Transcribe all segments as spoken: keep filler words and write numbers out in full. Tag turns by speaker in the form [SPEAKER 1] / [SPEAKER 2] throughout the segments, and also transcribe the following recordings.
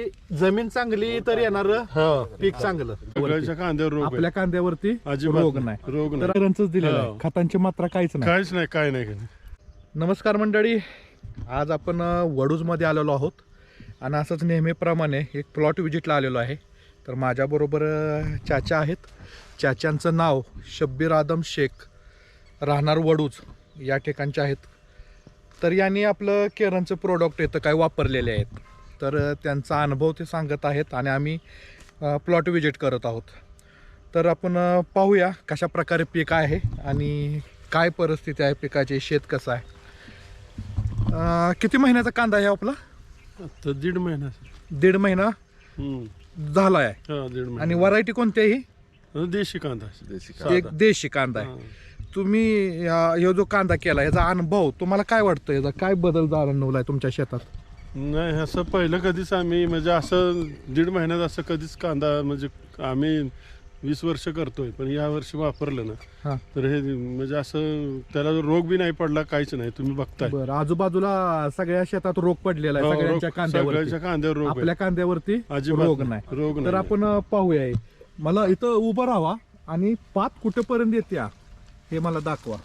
[SPEAKER 1] जमीन चांगली तर येणार पीक चांगलं.
[SPEAKER 2] सगळ्याच्या कांद्यावर रोग आहे.
[SPEAKER 1] आपल्या कांद्यावरती
[SPEAKER 2] अजिबात
[SPEAKER 1] रोग
[SPEAKER 2] नाही.
[SPEAKER 1] नाही.
[SPEAKER 2] रोग
[SPEAKER 1] तर
[SPEAKER 2] नाही.
[SPEAKER 1] रंचच दिलेलं आहे.
[SPEAKER 2] हो.
[SPEAKER 1] खतांची मात्रा काहीच नाही.
[SPEAKER 2] काहीच नाही काय नाही
[SPEAKER 1] नमस्कार मंडळी, आज आपण वडूजमध्ये आलेलो आहोत आणि असंच नेहमीप्रमाणे एक प्लॉट विजिटला आलेलो आहे. तर माझ्याबरोबर अ, चाचा आहेत. चाच्यांचं नाव शब्बीर आदम शेख, राहणार वडूज या ठिकाणचे आहेत. तर यांनी आपलं केरनचं प्रोडक्ट इथं काय वापरलेले आहेत. तर अ, त्यांचा अनुभव ते सांगत आहेत आणि आम्ही प्लॉट विजिट करत आहोत. तर आपण अ, पाहूया कशा प्रकारे पीक आहे आणि काय परिस्थिती आहे पिकाची, शेत कसं आहे. अ, किती महिन्याचा कांदा आहे आपला?
[SPEAKER 2] तर दीड महिना
[SPEAKER 1] दीड महिना
[SPEAKER 2] हम्म.
[SPEAKER 1] झाला आहे.
[SPEAKER 2] हा, दीड महिना.
[SPEAKER 1] आणि व्हरायटी कोणती आहे ही?
[SPEAKER 2] देशी कांदा देशी
[SPEAKER 1] एक देशी कांदा आहे. तुम्ही या- ह्यो जो कांदा केला याचा अनुभव तुम्हाला काय वाटतं, याचा काय बदल जाणवलाय तुमच्या शेतात?
[SPEAKER 2] नाही असं पहिलं कधीच आम्ही म्हणजे असं दीड महिन्यात असं कधीच कांदा म्हणजे आम्ही वीस वर्ष करतोय पण या वर्षी वापरलं
[SPEAKER 1] हा.
[SPEAKER 2] ना तर हे म्हणजे असं त्याला रोग बी नाही पडला, काहीच नाही. तुम्ही बघताय
[SPEAKER 1] बरं, आजूबाजूला सगळ्या शेतात रोग पडलेला आहे.
[SPEAKER 2] हो,
[SPEAKER 1] सगळ्यांच्या
[SPEAKER 2] रोग-
[SPEAKER 1] कांद्यावरती.
[SPEAKER 2] सगळ्याच्या कांद्यावर रोग आहे.
[SPEAKER 1] आपल्या कांद्यावरती
[SPEAKER 2] अजिबात
[SPEAKER 1] रोग
[SPEAKER 2] नाही.
[SPEAKER 1] नाही.
[SPEAKER 2] रोग
[SPEAKER 1] तर
[SPEAKER 2] नाही.
[SPEAKER 1] आपण अ, पाहूया. मला इथं उभं राहावा आणि पात कुठेपर्यंत येते हे मला दाखवा.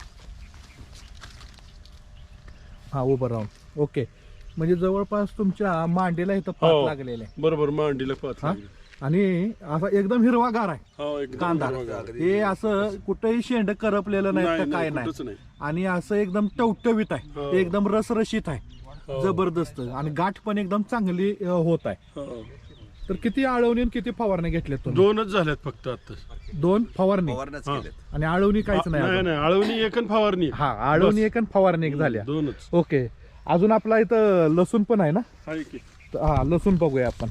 [SPEAKER 1] हा, उभं राहून. ओके, म्हणजे जवळपास तुमच्या मांडीला इथं पात
[SPEAKER 2] हो.
[SPEAKER 1] लागलेले आहे.
[SPEAKER 2] बरोबर मांडीला पात
[SPEAKER 1] हा?
[SPEAKER 2] लागली.
[SPEAKER 1] आणि असा एकदम हिरवागार आहे
[SPEAKER 2] हो, एकदम
[SPEAKER 1] कांदा.
[SPEAKER 2] हिरवागार.
[SPEAKER 1] हे असं कुठेही शेंड करपलेलं नाही
[SPEAKER 2] नाही,
[SPEAKER 1] तर काय
[SPEAKER 2] नाही, कुठंच
[SPEAKER 1] नाही.
[SPEAKER 2] नाही.
[SPEAKER 1] आणि असं एकदम टवटवीत आहे.
[SPEAKER 2] हो.
[SPEAKER 1] एकदम रसरशीत आहे.
[SPEAKER 2] हो.
[SPEAKER 1] जबरदस्त. आणि गाठ पण एकदम चांगली अ, होत आहे.
[SPEAKER 2] हो.
[SPEAKER 1] तर किती आळवणी आणि किती फवारणी घेतल्या तुम्ही?
[SPEAKER 2] दोनच झाल्यात फक्त आता.
[SPEAKER 1] दोन फवारणी
[SPEAKER 2] हा.
[SPEAKER 1] आणि आळवणी काहीच नाही
[SPEAKER 2] नाही
[SPEAKER 1] अजून.
[SPEAKER 2] नाही आळवणी एक आणि फवारणी एक.
[SPEAKER 1] हा, आळवणी
[SPEAKER 2] बस.
[SPEAKER 1] एक आणि फवारणी एक झाल्या.
[SPEAKER 2] दोनच
[SPEAKER 1] ओके, अजून आपला इथं लसूण पण आहे ना?
[SPEAKER 2] आहे की.
[SPEAKER 1] तर हा, लसूण बघूया आपण.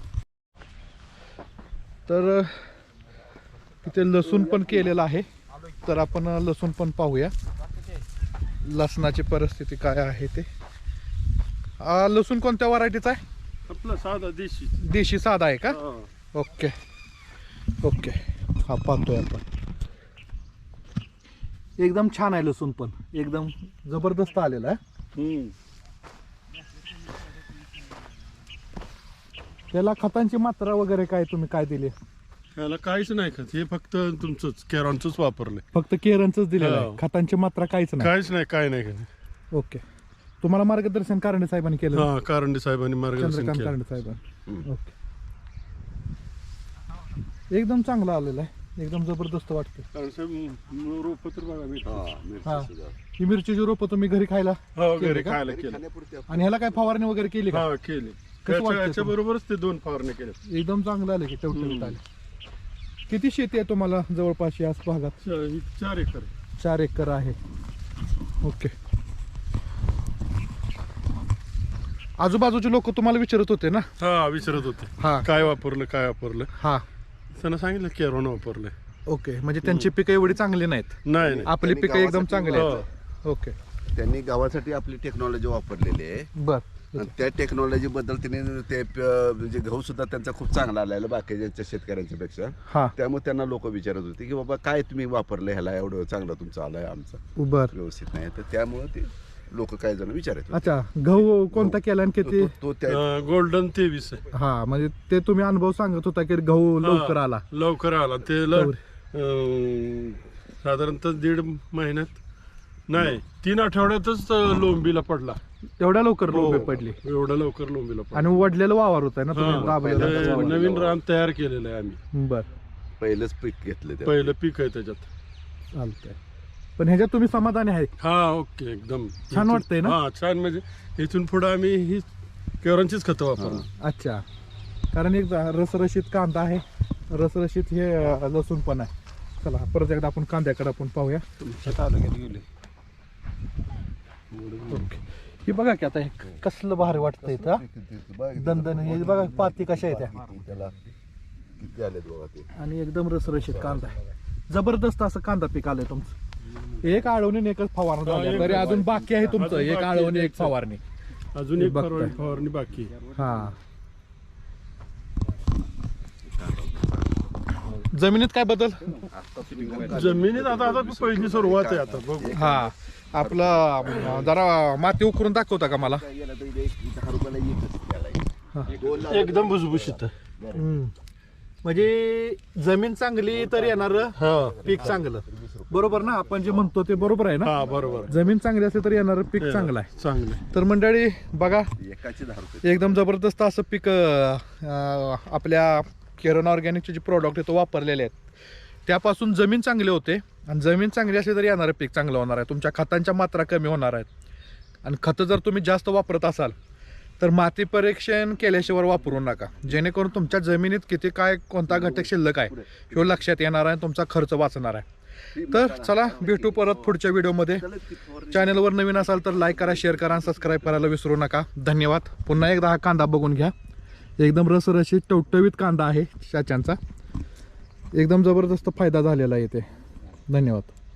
[SPEAKER 1] तर तिथे लसूण पण केलेलं आहे. तर आपण लसूण पण पाहूया लसणाची परिस्थिती काय आहे ते. हा, लसूण कोणत्या व्हरायटीचा आहे?
[SPEAKER 2] आपला साधा देशी.
[SPEAKER 1] देशी साधा आहे का?
[SPEAKER 2] हा.
[SPEAKER 1] ओके ओके, हा पाहतोय आपण. एकदम छान आहे लसूण, पण एकदम जबरदस्त आलेला आहे.
[SPEAKER 2] हम्म.
[SPEAKER 1] त्याला खतांची मात्रा वगैरे काय तुम्ही काय दिली?
[SPEAKER 2] याला काहीच नाही खात, हे फक्त तुमचंच केरॉनच वापरलंय.
[SPEAKER 1] फक्त केरनच दिलेलं आहे.
[SPEAKER 2] हो.
[SPEAKER 1] खतांची मात्रा काहीच नाही.
[SPEAKER 2] काहीच नाही, काय नाही खात.
[SPEAKER 1] ओके, तुम्हाला मार्गदर्शन कारंडे साहेबांनी केलं?
[SPEAKER 2] हा, कारंडे साहेबांनी मार्गदर्शन
[SPEAKER 1] चंद्रकांत
[SPEAKER 2] केलं.
[SPEAKER 1] कारंडे साहेबांनी. ओके, एकदम चांगला आलेला आहे. एकदम जबरदस्त वाटतं.
[SPEAKER 2] कारण साहेब रोप तर बघा मी.
[SPEAKER 1] हा, ही मिरचीची रोपं तुम्ही घरी खायला
[SPEAKER 2] हो,
[SPEAKER 1] केले
[SPEAKER 2] घरी
[SPEAKER 1] का?
[SPEAKER 2] खायला केलं.
[SPEAKER 1] आणि ह्याला काय फवारणी वगैरे केली का?
[SPEAKER 2] हा, केली.
[SPEAKER 1] कसं वाटतंय
[SPEAKER 2] त्याच्या बरोबरच ते दोन फवारणी केल्या.
[SPEAKER 1] एकदम चांगलं आलं की टवटवीत आले. किती शेती आहे तुम्हाला जवळपास याच भागात?
[SPEAKER 2] चा- ही चार एकर.
[SPEAKER 1] चार एकर आहे. ओके, आजूबाजूचे लोक तुम्हाला विचारत होते ना?
[SPEAKER 2] हा, विचारत होते
[SPEAKER 1] हा
[SPEAKER 2] काय वापरलं काय वापरलं.
[SPEAKER 1] हा,
[SPEAKER 2] त्यांना सांगितलं केरॉन वापरलंय.
[SPEAKER 1] ओके, म्हणजे त्यांची पिकं एवढी चांगली नाहीत.
[SPEAKER 2] नाही नाही
[SPEAKER 1] आपली
[SPEAKER 3] त्यांनी
[SPEAKER 1] पिकं एकदम
[SPEAKER 3] गावासाठी
[SPEAKER 1] चांगली आहेत.
[SPEAKER 2] हो.
[SPEAKER 1] ओके,
[SPEAKER 3] त्यांनी गावासाठी आपली टेक्नॉलॉजी वापरलेली आहे.
[SPEAKER 1] बर.
[SPEAKER 3] आणि त्या टेक्नॉलॉजी बद्दल त्यांनी ते प- म्हणजे गहू सुद्धा त्यांचा खूप चांगला आलेला बाकीच्या शेतकऱ्यांच्या पेक्षा.
[SPEAKER 1] हा,
[SPEAKER 3] त्यामुळे त्यांना लोक विचारत होते की बाबा काय तुम्ही वापरलं ह्याला एवढं चांगलं तुमचं आलंय, आमचं
[SPEAKER 1] बर.
[SPEAKER 3] व्यवस्थित नाही. तर त्यामुळे ते लोक काही जण विचारत होते.
[SPEAKER 1] अच्छा, गहू कोणता केला आणि किती?
[SPEAKER 3] तो- तो त्या
[SPEAKER 2] अं, गोल्डन तेवीस आहे.
[SPEAKER 1] हा, म्हणजे ते तुम्ही अनुभव सांगत होता की गहू लवकर
[SPEAKER 2] हा,
[SPEAKER 1] आला.
[SPEAKER 2] लवकर आला ते ल- अं, साधारणतः दीड महिन्यात नाही तीन आठवड्यातच अं, लोंबीला पडला.
[SPEAKER 1] एवढ्या लवकर
[SPEAKER 2] हो,
[SPEAKER 1] रोपे पडली.
[SPEAKER 2] एवढं लवकर लोंबीला पडला.
[SPEAKER 1] आणि वडलेलं वावर होत आहे ना तुम्ही
[SPEAKER 2] हा,
[SPEAKER 1] राबलेलं
[SPEAKER 2] ते
[SPEAKER 1] वावर.
[SPEAKER 2] नवीन रान तयार केलेलं आहे आम्ही.
[SPEAKER 1] बर,
[SPEAKER 3] पहिलंच पीक घेतलं ते.
[SPEAKER 2] पहिलं पीक आहे त्याच्यात.
[SPEAKER 1] चालतंय. पण ह्याच्यात तुम्ही समाधानी आहे?
[SPEAKER 2] हा, ओके, एकदम
[SPEAKER 1] छान वाटतंय ना?
[SPEAKER 2] हा, छान. म्हणजे इथून पुढे आम्ही ही केरॉनचीच खतं वापरणार.
[SPEAKER 1] अच्छा, कारण एक रसरशीत कांदा आहे, रसरशीत हे अ, लसूण पण आहे. चला परत एकदा आपण कांद्याकडे आपण पाहूया. ओके, हे बघा की आता हे कसलं भारी वाटतंय इथं, हा? दणदण. हे बघा पाती कशा आहेत त्या.
[SPEAKER 3] त्याला किती आलेत बघा ते.
[SPEAKER 1] आणि एकदम रसरशीत कांदा आहे. जबरदस्त असं कांदा पीक आलंय तुमचं. एक आळवणी आणि एकच फवारणी
[SPEAKER 2] हा,
[SPEAKER 1] झाली.
[SPEAKER 2] एक
[SPEAKER 1] तरी अजून बाकी आहे तुमचं.
[SPEAKER 2] अजून
[SPEAKER 1] एक
[SPEAKER 2] बाकी
[SPEAKER 1] आळवणी
[SPEAKER 2] आहे
[SPEAKER 1] एक फवारणी.
[SPEAKER 2] अजून
[SPEAKER 1] हे
[SPEAKER 2] एक
[SPEAKER 1] बघताय.
[SPEAKER 2] फवारणी फवारणी बाकी आहे.
[SPEAKER 1] हा, जमिनीत काय बदल?
[SPEAKER 2] जमिनीत आता आता पहिली सुरुवात आहे आता बघू.
[SPEAKER 1] हा, आपलं अं, जरा माती उकरून दाखवता का मला?
[SPEAKER 3] काय गेलं तर इथे एक दहा रुपयाला एकच त्याला. दोन लावलं
[SPEAKER 2] एकदम भुसभुशीत.
[SPEAKER 1] हम्म. म्हणजे जमीन चांगली तर येणार
[SPEAKER 2] हा
[SPEAKER 1] पीक चांगलं, बरोबर ना? आपण जे म्हणतो ते बरोबर आहे ना?
[SPEAKER 2] हा बरोबर
[SPEAKER 1] जमीन चांगली असली तर येणार पीक चांगलं आहे.
[SPEAKER 2] चांगलं.
[SPEAKER 1] तर मंडळी बघा,
[SPEAKER 3] एकाचे दहा रुपये
[SPEAKER 1] एकदम जबरदस्त असं पीक अं, आपल्या किरण ऑर्गॅनिकचे जे प्रोडक्ट आहे तो वापरलेले आहेत त्यापासून जमीन चांगली होते. आणि जमीन चांगली असली तर येणारं पीक चांगलं होणार आहे. तुमच्या खतांच्या मात्रा कमी होणार आहेत. आणि खतं जर तुम्ही जास्त वापरत असाल तर माती परीक्षण केल्याशिवाय वापरू नका, जेणेकरून तुमच्या जमिनीत किती काय कोणता घटक शिल्लक आहे ह्यो लक्षात येणार आहे, तुमचा खर्च वाचणार आहे. तर चला भेटू परत पुढच्या व्हिडिओमध्ये. चॅनलवर नवीन असाल तर लाईक करा, शेअर करा आणि सबस्क्राईब करायला विसरू नका. धन्यवाद. पुन्हा एकदा हा कांदा बघून घ्या, एकदम रसरशीत टवटवीत कांदा आहे चाच्यांचा. एकदम जबरदस्त फायदा झालेला आहे इथे. धन्यवाद.